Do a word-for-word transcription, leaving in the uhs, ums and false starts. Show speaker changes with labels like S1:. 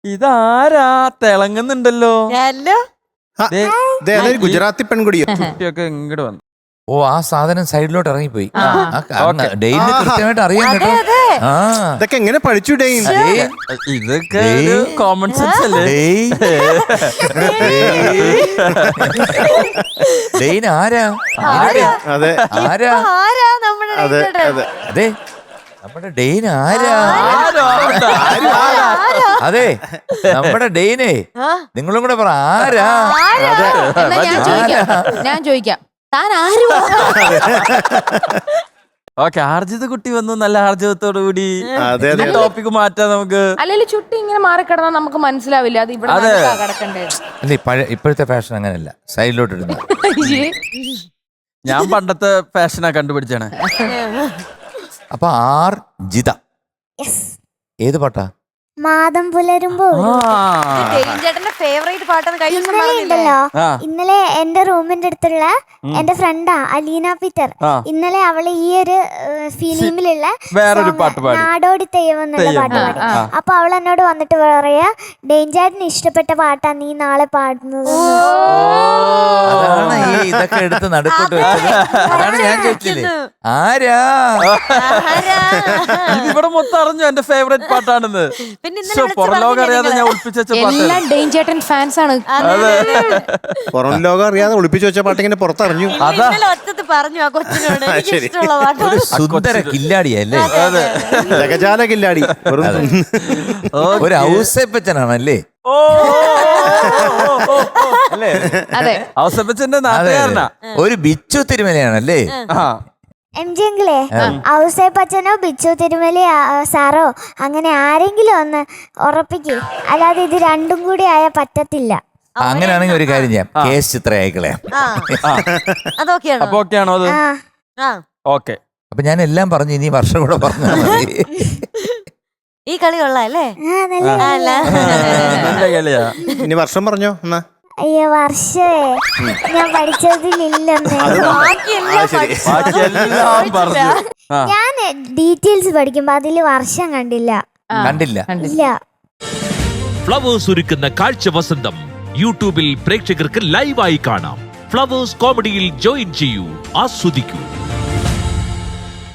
S1: ഇതാരാ തിളങ്ങുന്നുണ്ടല്ലോ?
S2: ഗുജറാത്തി പെൺകുടിയോ?
S1: കുട്ടിയൊക്കെ ഇങ്ങോട്ട് വന്നു.
S3: ഓ, ആ സാധനം സൈഡിലോട്ട് ഇറങ്ങിപ്പോയി. ഡെയിന് കൃത്യമായിട്ട് അറിയാൻ കേട്ടോ. ആ,
S2: ഇതൊക്കെ എങ്ങനെ പഠിച്ചു ഡെയിൻ?
S1: ഇതൊക്കെ കോമൺ സെൻസ് അല്ലേ?
S3: ഡെയിൻ ആരാ?
S2: അതെ
S3: ആരാ?
S2: അതെ അതെ
S3: അതെ, നമ്മുടെ ഡെയിൻ ആരാ? അതെ, നമ്മുടെ ഡെയിനെ നിങ്ങളും കൂടെ പറ, ആരാ?
S4: ഞാൻ ചോദിക്കാം, താൻ ആരും?
S1: ഓക്കെ, ആർജിത കുട്ടി വന്നു നല്ല ആർജവത്തോടു കൂടി. ടോപ്പിക് മാറ്റാം നമുക്ക്.
S4: അല്ലെങ്കിൽ ചുട്ടി ഇങ്ങനെ മാറിക്കിടന്നാൽ നമുക്ക് മനസ്സിലാവില്ല അത് ഇവിടെ കിടക്കണ്ടേ.
S3: അല്ലേ, പഴയ ഇപ്പോഴത്തെ ഫാഷൻ അങ്ങനെയല്ല, സൈഡിലോട്ട് ഇടുന്നു.
S1: ഞാൻ പണ്ടത്തെ ഫാഷനാ കണ്ടുപിടിച്ചാണ്.
S3: അപ്പൊ ആർ ജിത ഏത് പാട്ടാ?
S5: മാതം പുലരുമ്പോ
S6: ഫേവറേറ്റ് പാട്ടാണ്.
S5: ഉണ്ടല്ലോ, ഇന്നലെ എന്റെ റൂമിന്റെ അടുത്തുള്ള എന്റെ ഫ്രണ്ടാ അലീന പീറ്റർ. ഇന്നലെ അവള് ഈ ഒരു ഫിലിമിലുള്ള
S1: വേറൊരു പാട്ട് പാടി,
S5: നാടോടി തെയ്യം എന്നുള്ള പാട്ട് പാടി. അപ്പൊ അവൾ എന്നോട് വന്നിട്ട് പറയാ, ഡേഞ്ചാറ്റിന് ഇഷ്ടപ്പെട്ട പാട്ടാ നീ നാളെ പാടുന്നത്.
S3: അതാണ് ഈ ഇതൊക്കെ എടുത്ത് നടുക്കോട്ട് വെച്ചത്. അതാണ് ഞാൻ ചോദിച്ചില്ലേ, ആരാ?
S1: ഇതിവിടെ മൊത്തം അറിഞ്ഞു എന്റെ ഫേവറേറ്റ് പാട്ടാണെന്ന്. പുറം ലോകം അറിയാതെ ഞാൻ ഒളിപ്പിച്ച
S4: എല്ലാം ഡേഞ്ചേട്ടൻ ഫാൻസ് ആണ്.
S2: പുറം ലോകം അറിയാതെ ഒളിപ്പിച്ചു വെച്ച പാട്ട് ഇങ്ങനെ പുറത്തറിഞ്ഞു.
S6: പറഞ്ഞു ആ കൊച്ചിനോട്
S3: ഒരു സുന്ദര കില്ലാടിയല്ലേ,
S2: ജഗജാല കില്ലാടി,
S3: ഒരു ഔസേപ്പച്ചനാണല്ലേ?
S1: അല്ലേ? ഔസേപ്പച്ചന്റെ നാട്ടുകാരനാ,
S3: ഒരു ബിച്ചു തിരുമലയാണല്ലേ?
S5: എം ജി എങ്കിലേ ഔസേപ്പച്ചനോ ബിച്ചു തിരുമലി സാറോ അങ്ങനെ ആരെങ്കിലും ഒന്ന് ഉറപ്പിക്കേ, അല്ലാതെ ഇത് രണ്ടും കൂടി ആയാൽ പറ്റത്തില്ല.
S3: അങ്ങനെയാണെങ്കിൽ ഒരു കാര്യം ചെയ്യാം, കേസ് ചിത്ര അയക്കളയാം. അപ്പൊ ഞാൻ എല്ലാം പറഞ്ഞു, ഇനി വർഷം കൂടെ പറഞ്ഞാൽ മതി.
S6: ഈ കളി കൊള്ളാല്ലേ?
S2: ഇനി വർഷം പറഞ്ഞോ എന്നാ.
S5: അയ്യോ, വർഷേ ഞാൻ പഠിച്ചതിലില്ലെന്ന്. ഞാൻ ഡീറ്റെയിൽസ് പഠിക്കുമ്പോ അതില് വർഷം കണ്ടില്ല.
S3: കണ്ടില്ല
S5: ഇല്ല.
S7: ഫ്ലവേഴ്സ് ഒരുക്കുന്ന കാഴ്ച വസന്തം യൂട്യൂബിൽ പ്രേക്ഷകർക്ക് ലൈവായി കാണാം. ഫ്ലവേഴ്സ് കോമഡിയിൽ ജോയിൻ ചെയ്യൂ, ആസ്വദിക്കൂ.